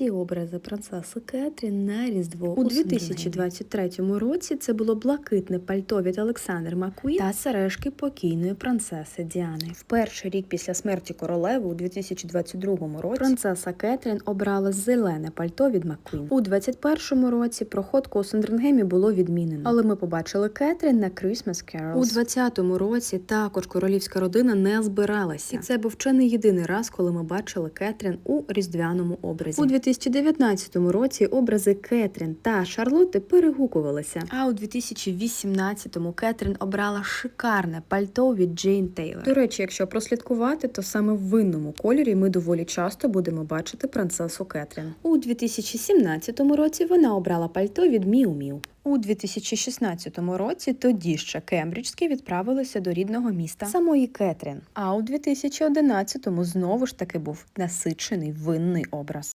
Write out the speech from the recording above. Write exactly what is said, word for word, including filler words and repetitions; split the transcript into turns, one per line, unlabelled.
всі образи принцеси Кетрін на Різдво
У
дві тисячі двадцять третьому році це було блакитне пальто від Олександр Маккуін та сережки покійної принцеси Діани. В перший рік після смерті королеви у дві тисячі двадцять другому році принцеса Кетрін обрала зелене пальто від Маккуін. У двадцять першому році проходку у Сандрингемі було відмінено, але ми побачили Кетрін на Christmas Carols. У двадцятому році також королівська родина не збиралася. І це був чи не єдиний раз, коли ми бачили Кетрін у різдвяному образі. У дві тисячі дев'ятнадцятому році образи Кетрін та Шарлотти перегукувалися. А у дві тисячі вісімнадцятому Кетрін обрала шикарне пальто від Джейн Тейлор. До речі, якщо прослідкувати, то саме в винному кольорі ми доволі часто будемо бачити принцесу Кетрін. У дві тисячі сімнадцятому році вона обрала пальто від Міу Міу. У дві тисячі шістнадцятому році тоді ще кембриджські відправилися до рідного міста самої Кетрін. А у дві тисячі одинадцятому знову ж таки був насичений винний образ.